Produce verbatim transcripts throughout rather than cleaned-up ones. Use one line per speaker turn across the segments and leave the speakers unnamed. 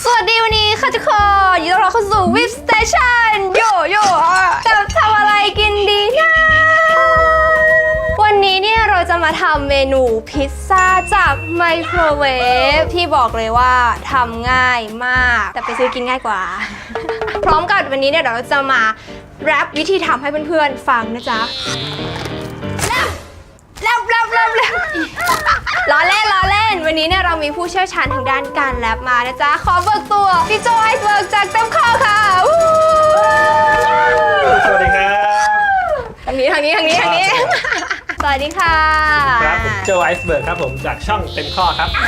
สวัสดีวันนี้ค่ะทุกคนยินดีต้อนรับเข้าสู่วิปสเตชันโยโย่จะทำอะไรกินดีนะวันนี้เนี่ยเราจะมาทำเมนูพิซซ่าจากไมโครเวฟที่บอกเลยว่าทำง่ายมากแต่ไปซื้อกินง่ายกว่า พร้อมกับวันนี้เนี่ยเดี๋ยวเราจะมาแรปวิธีทำให้เพื่อนๆฟังนะจ๊ะแรปแรปแรปแรปล้อเล่นล้อเล่นวันนี้เนี่ยเรามีผู้เชี่ยวชาญทางด้านการแรปมานะจ๊ะขอเบิกตัวพี่โจไอซ์เบิร์กจากเต็มข้อค่ะ
สวัสดีครับ
ทางนี้ทางนี้ทางนี้ทางนี้สวัสดีค่ะ
ครับผมโจไอซ์เบิร์กครับผมจากช่องเต็มข้อครับ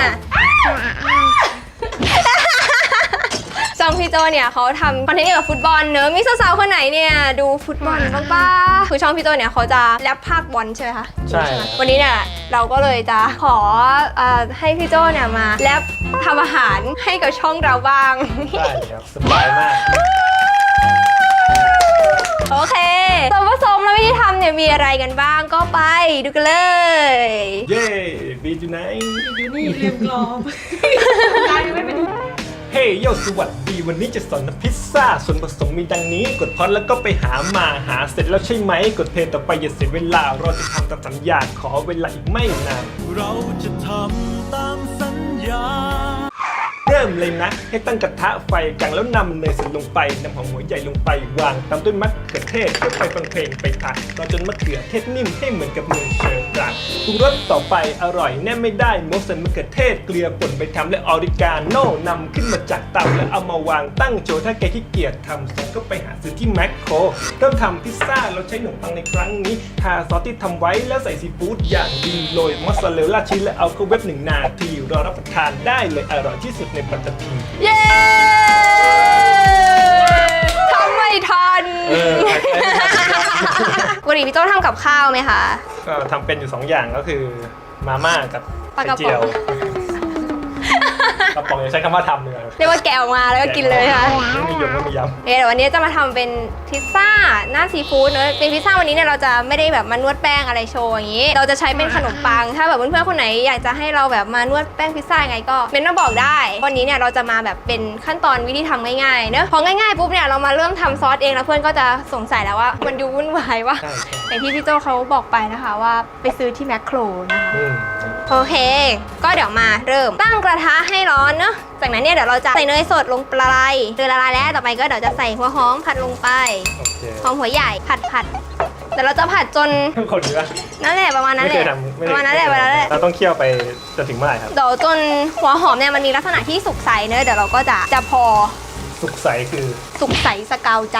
ช่องพี่โจเนี่ยเขาทำคอนเทนต์เกี่ยวกับฟุตบอลเนอะมีสาวๆคนไหนเนี่ยดูฟุตบอลบ้างป่ะคือช่องพี่โจเนี่ยเขาจะแรปภาคบอลใช่ไหมคะ
ใช่
วันนี้เนี่ยเราก็เลยจะขอให้พี่โจเนี่ยมาแรปทำอาหารให้กับช่องเราบ้าง
ได้ครับสบายมาก
โอเคส่วนผสมและวิธีทำเนี่ยมีอะไรกันบ้างก็ไปดูกันเลย
เย้บีจูไน
ดูนี่เรียมกรอบได้ไม่เป็น
เฮ้ยโยสวัสดีวันนี้จะสอนทำพิซซ่าส่วนผสมมีดังนี้กดพอดแล้วก็ไปหามาหาเสร็จแล้วใช่ไหมกดเพลย์ต่อไปอย่าเสียเวลาเราจะทำตามสัญญาขอเวลาอีกไม่นาน
เราจะทำตามสัญญา
เริ่มเลยนะให้ตั้งกระทะไฟกลางแล้วนำเนยใส่ลงไปนำหอมหัวใหญ่ลงไปวางตามด้วยมะเขือเทศค่อยๆฟังเพลงไปผัดเราจนมะเขือเทศนิ่มให้เหมือนกับมือเชอร์บรันปรุงรสต่อไปอร่อยแน่ไม่ได้มกใส่มะเขือเทศเกลือป่นไปทำและออริกาโน่นำขึ้นมาจากเตาแล้วเอามาวางตั้งโชว์ถ้าแกขี้เกียจทำเสร็จก็ไปหาซื้อที่แมคโครเริ่มทำพิซซ่าเราใช้ขนมปังในครั้งนี้ทาซอสที่ทำไว้แล้วใส่ซีฟู้ดอย่างดีโรยมอสซาเรลล่าชีสและเอาเข้าเว็บหนึ่งนาทีรอรับประทานได้เลยอร่อยที่สุดในปัตตภี
เย้ทำไม่ทันปกติพี่โจ้ทำกับข้าวไหมคะ
ก็ทำเป็นอยู่สองอย่างก็คือมาม่ากับไข่เจียวกระป๋องอย่าใช้คำว่าทำเลย
เรียกว่าแกะออกมาแล้วก็กินเลยค่ะ
ไม่มียำไม่มียำ
เดี๋ยววันนี้จะมาทำเป็นพิซซ่าหน้าซีฟู้ดเนอะเป็นพิซซ่าวันนี้เนี่ยเราจะไม่ได้แบบมานวดแป้งอะไรโชว์อย่างนี้เราจะใช้เป็นขนมปังถ้าแบบเพื่อนๆคนไหนอยากจะให้เราแบบมานวดแป้งพิซซ่าไงก็เม้นมาบอกได้วันนี้เนี่ยเราจะมาแบบเป็นขั้นตอนวิธีทำง่ายๆเนอะพอง่ายๆปุ๊บเนี่ยเรามาเริ่มทำซอสเองแล้วเพื่อนก็จะสงสัยแล้วว่ามันดูวุ่นวายว่าอย่างที่พี่โจเขาบอกไปนะคะว่าไปซื้อที่แมคโครนะคะโอเคก็เดี๋ยวมาเริ่มตั้งกระทะให้ร้อนเนอะจากนั้นเนี่ยเดี๋ยวเราจะใส่เนยสดลงไปเนยละลายแล้วต่อไปก็เดี๋ยวจะใส่หัวหอมผัดลงไปหอมหัวใหญ่ผัดผัดแต่เราจะผัดจน
คนเยอะ
นั่นแหละประมาณนั้นแหละประมาณนั้นแหละประมาณนั้นแหละ
เราต้องเคี่ยวไปจนถึงเมื่อไหร่ครับ
เดี๋ยวจนหัวหอมเนี่ยมันมีลักษณะที่สุกใสเนอะเดี๋ยวเราก็จะจะพอ
สุกใสคือ
สุกใสสกาวใจ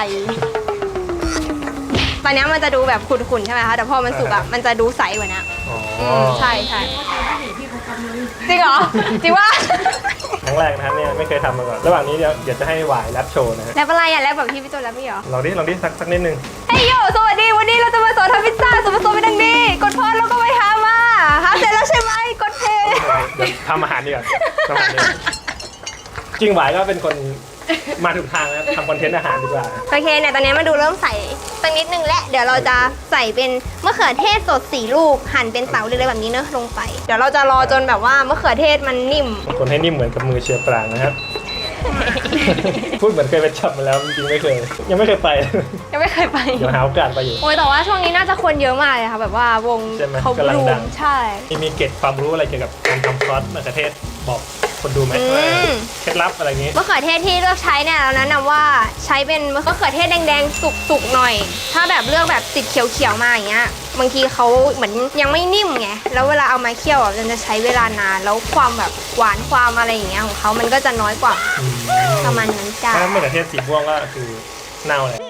ตอนนี้มันจะดูแบบขุ่นๆใช่ไหมคะแต่พอมันสุกอ่ะมันจะดูใสกว่านี้อ๋อใช่ใช่จริงเหรอจริงว่า
ครั้งแรกนะครับเนี่ยไม่เคยทำมาก่อนระหว่างนี้เดี๋ยวเดี๋ยวจะให้หวายแรปโชว์นะฮะ
แรปอะไรอ่ะแรปแบบที่พี่โจแรปไม่เหรอ
ลองดิลองดิสักสักนิดนึง
เฮ้ยโยสวัสดีวันนี้เราจะมาสอนทำพิซซ่าส่วนผสมเป็นดังนี้กดพอดแล้วก็ไปหามาหาเสร็จแล้วใช่ไหมกดเพย์
เดี๋ยวทำอาหารดีกว่าทำอาหารดีกว่าจริงหวายก็เป็นคนมาถูกทางแล้วทำคอนเทนต์อาหารดีกว่า
โอเคเนี่ยตอนนี้มาดูเริ่มใส่สักนิดนึงและเดี๋ยวเราจะใส่เป็นมะเขือเทศสดสี่ลูกหั่นเป็นเต๋าเลยแบบนี้เนอะลงไปเดี๋ยวเราจะรอจนแบบว่ามะเขือเทศมันนิ่ม
คนให้นิ่มเหมือนกับมือเชียร์ปรางนะครับพูดเหมือนเคยไปจับมาแล้วจริงๆไม่เคยยังไม่เคยไป
ยังไม่เคยไป
เดี๋ยวหาโอกาสไปอยู่
โอ้ยแต่ว่าช่วงนี้น่าจะคนเยอะมากเลยค่ะแบบว่าวง
เขากำลังดัง
ใช่
มีเกร็ดความรู้อะไรเกี่ยวกับการทำซอสมะเขือเทศบอกคนดูไหมเคล็ดลับอะไรอย่างงี้
มะเขือเทศที่เลือกใช้เนี่ยเราแนะนำว่าใช้เป็นมะเขือเทศแดงๆสุกๆหน่อยถ้าแบบเลือกแบบติดเขียวๆมาอย่างเงี้ยบางทีเขาเหมือนยังไม่นิ่มไงแล้วเวลาเอามาเคี่ยวมันจะใช้เวลานานแล้วความแบบหวานความอะไรอย่างเงี้ยของเขามันก็จะน้อยกว่าประมาณนั้นจ้ะ
ถ้ามะเขือเทศสีม่วงก็คือเน่าเลย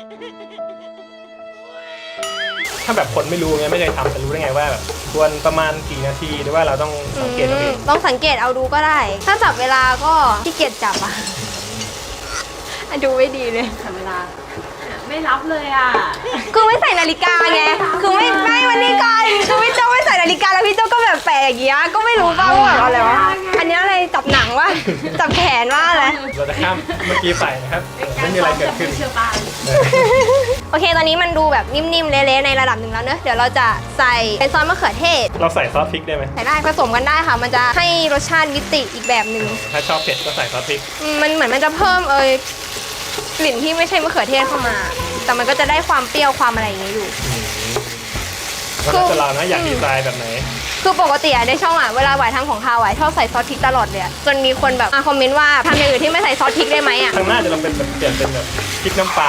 ถ้าแบบคนไม่รู้ไงไม่เคยทำจะรู้ได้ไงว่าแบบควรประมาณกี่นาทีหรือว่าเราต้องสังเกตเอาเอง
ต้องสังเกตเอาดูก็ได้ถ้าจับเวลาก็ขี้เกียจจับอ่ะดูไม่ดีเลย
จับเวลาไม่รับเลยอ่ะ
คือไม่ใส่นาฬิกาไงคือไม่ไม่วันนี้ก่อนคือพี่โจ้ไม่ใส่นาฬิกาแล้วพี่โจ้ก็แบบแปลกอย่างเงี้ยก็ไม่รู้ป่าวว่าอะไรวะอันนี้อะไรจับหนังวะจับแขนว่าอะไร
เราจะข้ามเมื่อกี้ไปนะครับไม่มีอะไรเกิดขึ้น
โอเคตอนนี้มันดูแบบนิ่มๆเละๆในระดับหนึ่งแล้วเนอะเดี๋ยวเราจะใส่เป็นซอสมะเขือเทศ
เราใส่ซอสพริกได้ไหม
ใส่ได้ผสมกันได้ค่ะมันจะให้รสชาติมิติอีกแบบหนึ่ง
ถ้าชอบเผ็ดก็ใส่ซอสพริก
อืมมันเหมือนมันจะเพิ่มเอยกลิ่นที่ไม่ใช่มะเขือเทศเข้ามา แต่มันก็จะได้ความเปรี้ยวความอะไรอย่างเงี้ยอยู่
แล้วแต่เรานะอยากดีไซน์แบบไหน
คือปกติอะในช่องอะเวลาหวายทำของคาวหวายชอบใส่ซอสพริกตลอดเลยอะจนมีคนแบบมาคอมเมนต์ว่าทำอย่างอื่นที่ไม่ใส่ซอสพริกได้ไหมอะ
ข้างหน้าจะลองเป็นแบบเปลี่ยนเป็นแบบพริกน้ำปลา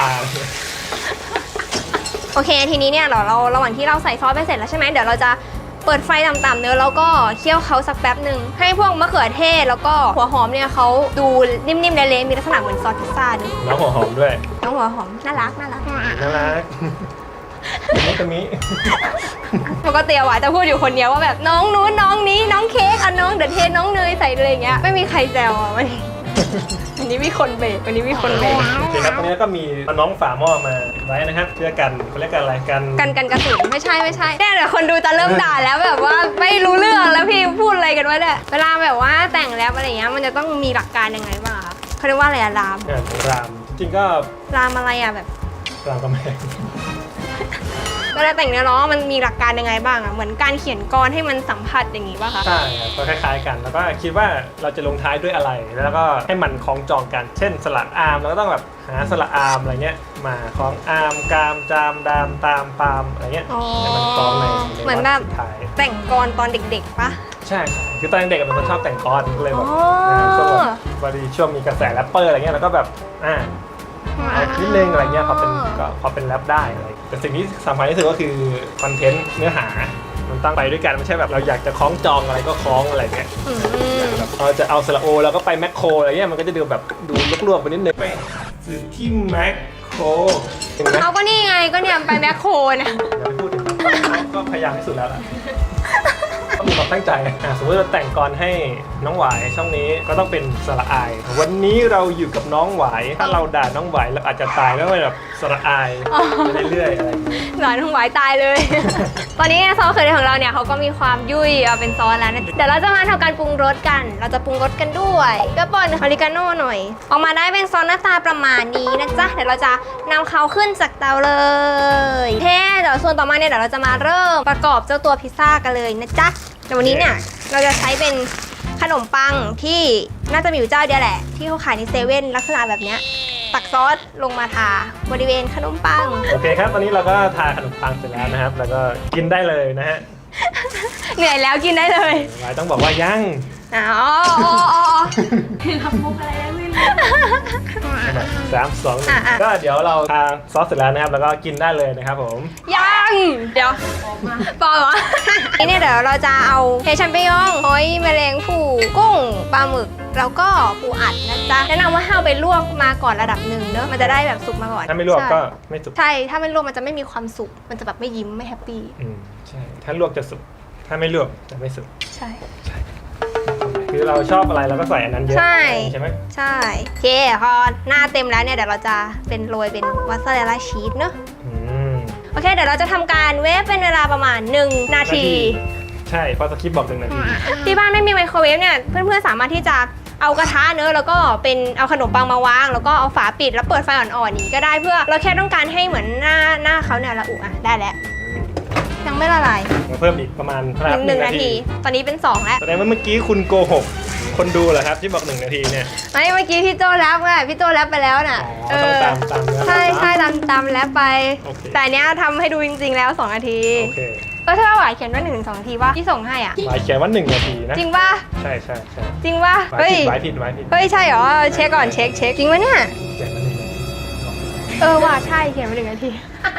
โอเคทีนี้เนี่ยเราเราระหว่างที่เราใส่ซอสไปเสร็จแล้วใช่ไหมเดี๋ยวเราจะเปิดไฟต่ำๆเนื้อะแล้วก็เคี่ยวเขาสักแป๊บหนึ่งให้พวกมะเขือเทศแล้วก็หัวหอมเนี่ยเขาดูนิ่มๆเละๆมีลักษณะเหมือนซอสพิซซ่าด้วย
น้องหัวหอมด้วย
น้องหัวหอมน่ารักน่ารัก
น่ารักนี่ตรงนี้
ปกติอะหวายจะพูดอยู่คนเดียวว่าแบบน้องนู้นน้องนี้น้องเค้กอ่ะน้องเดอะเทน้องเนยใส่อะไรอย่างเงี้ยไม่มีใครแซวอ่ะวันนี้วันนี้มีคนเบรกวันนี้มีคนเบรก
โอเคครับตอนนี้ก็มีน้องฝาหม้อมาไว้นะครับเพื่อกันเขาเรียกกันอะไรกัน
กันกันกระสุนไม่ใช่ไม่ใช่เนี่ยเดี๋ยวคนดูจะเริ่มด่าแล้วแบบว่าไม่รู้เรื่องแล้วพี่พูดอะไรกันวะเนี่ยเวลาแบบว่าแต่งแรปอะไรอย่างเงี้ยมันจะต้องมีหลักการยังไงบ้างคะเขาเรียกว่าอะไรอะราม
งานรามจริงก็
รามอะไรอะแบบ
รามกำแพง
เวลาแต่งเนื้อร้องมันมีหลักการยังไงบ้างอะเหมือนการเขียนกรให้มันสัมผัสอย่างงี้ป่ะคะ
ใช่ครับก็คล้ายๆกัน แล้วก็คิดว่าเราจะลงท้ายด้วยอะไร แล้วก็ให้มันคล้องจองกัน เช่นสระอามเราก็ต้องแบบหาสระอามอะไรเงี้ยมาคล้องอามกามจามดามตามปามอะไรเงี้ย
อ๋อ
ให้มันคล้องใน
เหมือนแบบ
สุดท้าย
แต่งกรตอนเด็กๆป่ะ
ใช่ใช่คือตอนเด็กๆเป็นคนชอบแต่งกรก็เลยแบบ
อ๋อ
เออช่วงแบบพอดีช่วงมีกระแสแรปเปอร์อะไรเงี้ยแล้วก็แบบอ่า เอานิดนึงอะไรเงี้ยพอเป็นก็พอเป็นแรปได้อะไรแต่สิ่งที่สำคัญที่สุดก็คือคอนเทนต์เนื้อหา มันตั้งไปด้วยกันไม่ใช่แบบเราอยากจะคล้องจองอะไรก็คล้องอะไรเงี้ย
อืม
แบบเราจะเอาสระโอแล้วก็ไปแมคโครอะไรเงี้ยมันก็จะดูแบบดูลวกๆไปนิดนึงไปซื้อที่แมคโครเห็นไหม
เขาก็นี่ไงก็เนี่ยไปแมคโครนะ
อย่าไปพูดถึงก็พยายามที่สุดแล้วล่ะต้องมีความตั้งใจอ่ะสมมติเราแต่งกรให้น้องหวายช่องนี้ก็ต้องเป็นสระอาย วันนี้เราอยู่กับน้องหวายถ้าเราด่าน้องหวายเราอาจจะตายแล้วก็แบบสระอายไปเรื่อยๆอะไรอย่างเงี้ย
หลานทั้งหวายตายเลย ตอนนี้ซอสมะเขือเทศของเราเนี่ยเขาก็มีความยุ่ยเอาเป็นซอสแล้วนะเดี๋ยวเราจะมาทำการปรุงรสกัน เราจะปรุงรสกันด้วยก็ป่นออริกาโน่หน่อย ออกมาได้เป็นซอสหน้าตาประมาณนี้นะจ๊ะเดี๋ยวเราจะนำเขาขึ้นจากเตาเลยเท่เดี๋ยวส่วนต่อมาเนี่ยเดี๋ยวเราจะมาเริ่มประกอบเจ้าตัวพิซซ่ากันเลยนะจ๊ะแต่วันนี้เนี่ยเราจะใช้เป็นขนมปังที่น่าจะมีอยู่เจ้าเดียวแหละ ที่เขาขายในเซเว่นลักษณะแบบเนี้ยตักซอสลงมาทาบริเวณขนมปัง
โอเคครับตอนนี้เราก็ทาขนมปังเสร็จแล้วนะครับ แล้วก็กินได้เลยนะฮะ
เหนื่อยแล้วกินได้เลย
หวายต้องบอกว่ายัง
อ๋ออ๋ออ๋อ
ทำมุกอะไรได้ไม่รู้
สามสองหนึ่ง
อ่ะอ่ะ
ก็เดี๋ยวเราทาซอสเสร็จแล้วนะครับ แล้วก็กินได้เลยนะครับผม
ยังเดี๋ยว
ออกมา
ปอเหรอ นี่เนี่ยเดี๋ยวเราจะเอาเฮชัมเปญองหอยแมลงภู่กุ้งปลาหมึกแล้วก็ปูอัดนะจ๊ะแนะนำว่าให้เอาไปลวกมาก่อนระดับหนึ่งเนอะมันจะได้แบบสุกมาก่อน
ถ้าไม่ลวก
ใช่
ก็ไม่สุก
ใช่ถ้าไม่ลวกมันจะไม่มีความสุกมันจะแบบไม่ยิ้มไม่แฮปปี้
อืมใช่ถ้าลวกจะสุกถ้าไม่ลวกจะไม่สุก
ใช่
คือเราชอบอะไรเราก็ใส่อันนั้นเยอะ
ใช่
ใช่ไหม
ใช่โอเคพอหน้าเต็มแล้วเนี่ยเดี๋ยวเราจะเป็นโรยเป็นวาซาเรลล่าชีสเนอะ
อืม
โอเคเดี๋ยวเราจะทำการเวฟเป็นเวลาประมาณหนึ่งนาที
ใช่เพราะสคริปต์บอกหนึ่งนาที
ที่บ้านไม่มีไมโครเวฟเนี่ยเพื่อนๆสามารถที่จะเอากระทะเนอะแล้วก็เป็นเอาขนมปังมาวาง แล้วก็เอาฝาปิดแล้วเปิดไฟอ่อนๆนี้ก็ได้เพื่อเราแค่ต้องการให้เหมือนหน้าหน้าเขาเนี่ยละอุอ่ะได้แล้วยังไม่ละลาย
มาเพิ่มอีกประมาณ
หนึ่งหนึ่งนาที ตอนนี้เป็นสองแล้ว
แสดงว่าเมื่อกี้คุณโกหกคนดูเหรอครับที่บอกหนึ่งนาทีเนี่ย
ไม่เมื่อกี้พี่โจแรปไงพี่โจแรปไปแล้วน่ะ
อ๋อต้องตามตามเนื้อ
ใช่ใช่ตามตามแรปไป
โอเค
แต่อันเนี้ยทำให้ดูจริงๆแล้วสองนาที
โอเค
ก็ถ้าหวายเขียนว่าหนึ่งถึงสองนาทีว่าที่ส่งให้อ่ะ
หมายเขียนว่าหนึ่งนาทีนะ
จริงป่ะ
ใช่ใช่ใช่
จริงป่ะ
หมาย
เฮ้ย
ผิดหมายผิดหมายผิด
เฮ้ยใช่เหรอเช็คก่อนเช็คเช็คจริงปะเนี่ย
เขียนมาหนึ่งนาที
เออว่ะใช่เขียนมาหนึ่งนาที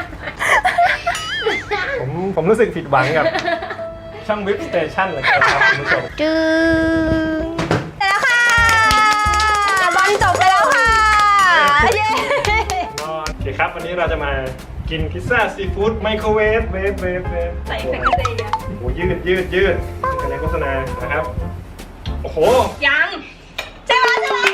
ผมผมรู้สึกผิดหวังกับช่องวิบสเตชันเลยครับคุณผู้ชม
จึงเสร็จแล้วค่ะบอลจบไปแล้วค่ะเย้
โอเคครับวันนี้เราจะมากินพิซซ่าซีฟู้ดไมโครเวฟเวฟเวฟเวฟ
ใส่เฟกเกอร์เซีย
โอ้โหยืดยืดยืดกันในโฆษณานะครับ โอ้โห
ยังใช่ไหมใช่ไหม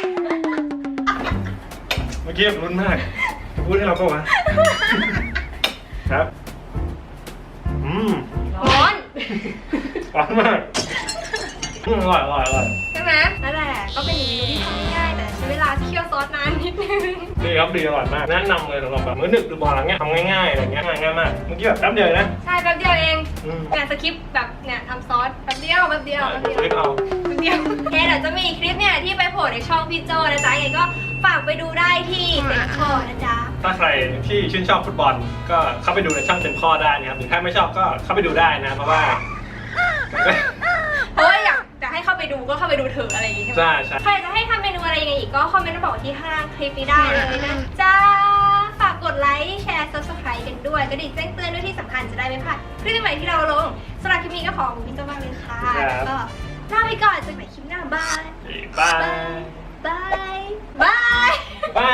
เมื่อกี้แบบลุ้นมากจะพูดให้เราก็วะครับอืม
ร้อน
ร้อนมากอือืมอร่อยอร่อยอร่อย
ใช่ไหมนั่นแหละก็เป็นเมนูที่ทำง่ายๆแต่ใช้เวลาเคี่ยวซอสนานนิดนึง
ดีครับดีอร่อยมากแนะนำเลยสำหรับแบบมื้อดึกหรือบ่อะไรเงี้ยทำง่ายๆอะไรเงี้ยง่ายง่ายมากเมื่อกี้แบบแป๊บเดียวนะ
ใช่แป๊บเดียวเอง
อืม
เนี่ยสคริปต์แบบเนี่ยทำซอสแป๊บเดียวแป๊บเดียวแป๊บเดียว
คลิปเอา
แป๊บเดียวโอเคเดี๋ยวจะมีคลิปเนี่ยที่ไปโผล่ในช่องพี่โจนะจ๊ะยังไงก็ฝากไปดูได้ที่เต็มข้อนะจ๊ะ
ถ้าใครที่ชื่นชอบฟุตบอลก็เข้าไปดูในช่องเต็มข้อได้นะครับหรือถ้าไม่ชอบก็เข้าไปดูได้นะเพราะว่า
เพราะว่าอยากจะให้เข้าไปดูก็เข้าไปดูเถอะอะไรอย่างงี้ใช่ไหม
ใช่ใช่
ใครจะให้ทำเมนูอะไรยังไงอีกก็คอมเมนต์มาบอกที่ข้างล่างคลิปนี้ได้เลยนะจ๊ะฝากกดไลค์แชร์ ซับสไครบ์ กันด้วยกระดิ่งแจ้งเตือนด้วยที่สำคัญจะได้ไม่พลาดคลิปใหม่ๆที่เราลงสำหรับคลิปนี้ก็ขอบคุณพี่โจมากเลยค่ะแล้วก็ลาไปก่อนเจอกันใหม่คลิปหน้าบาย
บาย
บายบาย
บาย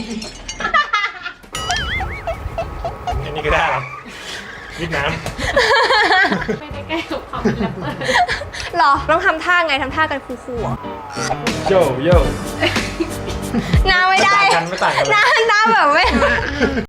อันนี้ก็ได้เหรอวิดน้ำ
ไม่ได้ใกล้กับความเป็นแรปเปอร์
หรอต้องทำท่าไงทำท่ากันคูลๆอ่ะ
โยโย่
หน้าไม่ได้
ไม่ต่างกันไม่ต่างกันเลย
หน้าหน้าแบบไม่